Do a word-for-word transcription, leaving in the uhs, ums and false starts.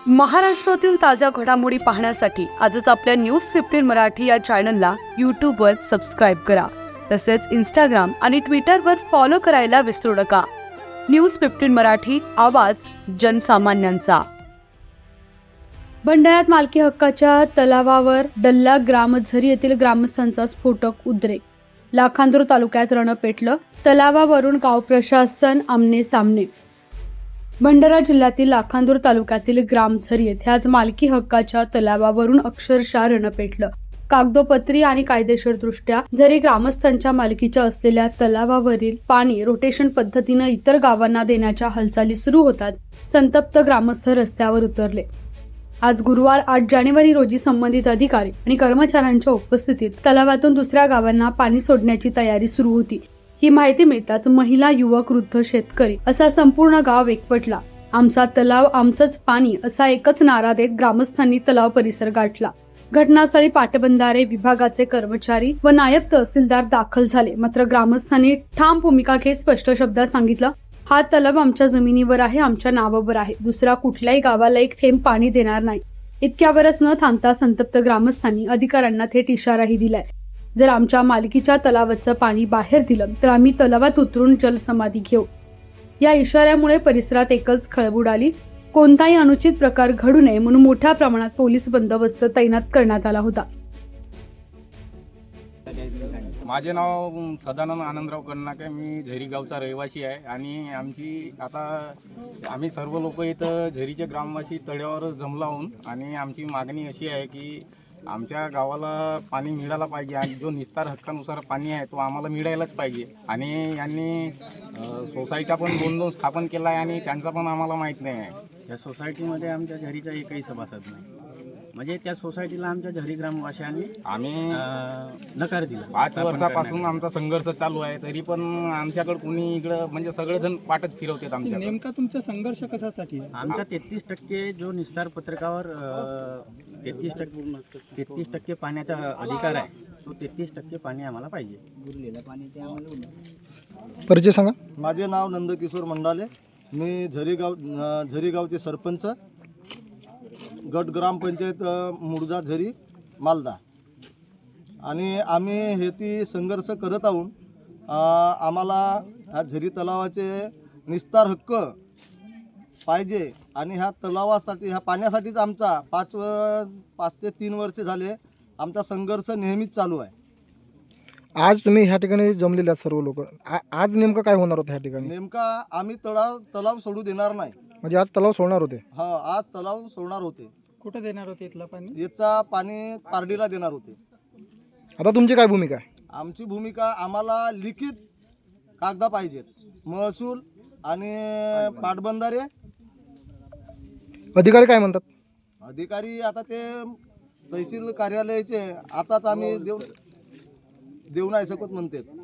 महाराष्ट्रातील ताज्या घडामोडी पाहण्यासाठी आजच आपल्या न्यूज फिफ्टीन मराठी या चॅनलला यूट्यूबवर सबस्क्राईब करा. तसेच इंस्टाग्राम आणि ट्विटरवर फॉलो करायला विसरू नका. न्यूज फिफ्टीन मराठी, आवाज जनसामान्यांचा. भंडाऱ्यात मालकी हक्काच्या तलावावर डल्ला ग्रामझरी येथील ग्रामस्थांचा स्फोटक उद्रेक. लाखांदूर तालुक्यात रण पेटलं. तलावावरून गाव प्रशासन आमने सामने. भंडारा जिल्ह्यातील लाखांदूर तालुक्यातील ग्रामझरी येथे आज मालकी हक्काच्या तलावावरून अक्षरशः रण पेटलं. कागदोपत्री आणि कायदेशीरदृष्ट्या जरी ग्रामस्थांच्या मालकीच्या असलेल्या तलावावरील पाणी रोटेशन पद्धतीनं इतर गावांना देण्याच्या हालचाली सुरू होतात, संतप्त ग्रामस्थ रस्त्यावर उतरले. आज गुरुवार आठ जानेवारी रोजी संबंधित अधिकारी आणि कर्मचाऱ्यांच्या उपस्थितीत तलावातून दुसऱ्या गावांना पाणी सोडण्याची तयारी सुरू होती. ही माहिती मिळताच महिला, युवक, वृद्ध, शेतकरी असा संपूर्ण गाव एकवटला. आमचा तलाव आमचंच पाणी असा एकच नारा देत ग्रामस्थांनी तलाव परिसर गाठला. घटनास्थळी पाटबंधारे विभागाचे कर्मचारी व नायब तहसीलदार दाखल झाले. मात्र ग्रामस्थांनी ठाम भूमिका घेत स्पष्ट शब्दात सांगितलं, हा तलाव आमच्या जमिनीवर आहे, आमच्या नावावर आहे. दुसऱ्या कुठल्याही गावाला एक थेंब पाणी देणार नाही. इतक्यावरच न थांबता संतप्त ग्रामस्थांनी अधिकाऱ्यांना थेट इशाराही दिलाय. जर आमच्या मालकीच्या तलावाचं पाणी बाहेर दिलं तर आम्ही तलावात उतरून जलसमाधी घेऊ. या इशाऱ्यामुळे परिसरात एकच खळबळ आली. कोणताही अनुचित प्रकार घडू नये म्हणून मोठ्या प्रमाणात पोलीस बंदोबस्त तैनात करण्यात आला होता. माझे नाव सदानंद आनंदराव कर्नाके. मी झरी गावचा रहिवासी आहे आणि आमची आता आम्ही सर्व लोक इथं झरीचे ग्रामवासी तळ्यावर जमला आहोत आणि आमची मागणी अशी आहे की आमच्या गावाला पाणी मिळायला पाहिजे आणि जो निस्तार हक्कानुसार पाणी आहे तो आम्हाला मिळायलाच पाहिजे. आणि यांनी सोसायट्या पण दोन दोन स्थापन केला आहे आणि त्यांचा पण आम्हाला माहीत नाही आहे. या सोसायटीमध्ये आमच्या झरीचा एकही सभासद नाही. म्हणजे त्या सोसायटीला आमच्या झरी ग्रामवासियांनी आम्ही नकार दिला. पाच वर्षापासून आमचा संघर्ष चालू आहे, तरी पण आमच्याकडे कुणी इकडं म्हणजे सगळेजण पाठच फिरवतात. आमच्या नेमका तुमचा संघर्ष कशासाठी? आमच्या तेहतीस टक्के जो निस्तार पत्रकावर तेहतीस टक्के तेहतीस टक्के पाण्याचा अधिकार आहे, तो तेहतीस टक्के पाणी आम्हाला पाहिजे. उरलेलं पाणी ते आम्हाला. परिचय सांगा. माझे नाव नंदकिशोर मंडाले. मी झरीगाव झरीगावचे सरपंच, गट ग्रामपंचायत मुळजा झरी मालदा. आणि आम्ही हे ती संघर्ष करत आहोत. आम्हाला ह्या झरी तलावाचे निस्तार हक्क पाहिजे आणि ह्या तलावासाठी, ह्या पाण्यासाठीच आमचा पाच पाच ते तीन वर्षे झाले आमचा संघर्ष नेहमीच चालू आहे. आज तुम्ही ह्या ठिकाणी जमलेले आहात सर्व लोक. आज नेमकं काय होणार होतं ह्या ठिकाणी? नेमका आम्ही तलाव तलाव सोडू देणार नाही. म्हणजे आज तलाव सोडणार होते? हा, आज तलाव सोडणार होते. कुठं देणार होते इथलं पाणी? याचा पाणी पारडीला देणार होते. आता तुमची काय भूमिका आहे? आमची भूमिका, आम्हाला लिखित कागदा पाहिजेत. महसूल आणि पाटबंधारे. अधिकारी काय म्हणतात? अधिकारी आता ते तहसील कार्यालयाचे आताच आम्ही देऊ देऊ नाही शकत म्हणतात.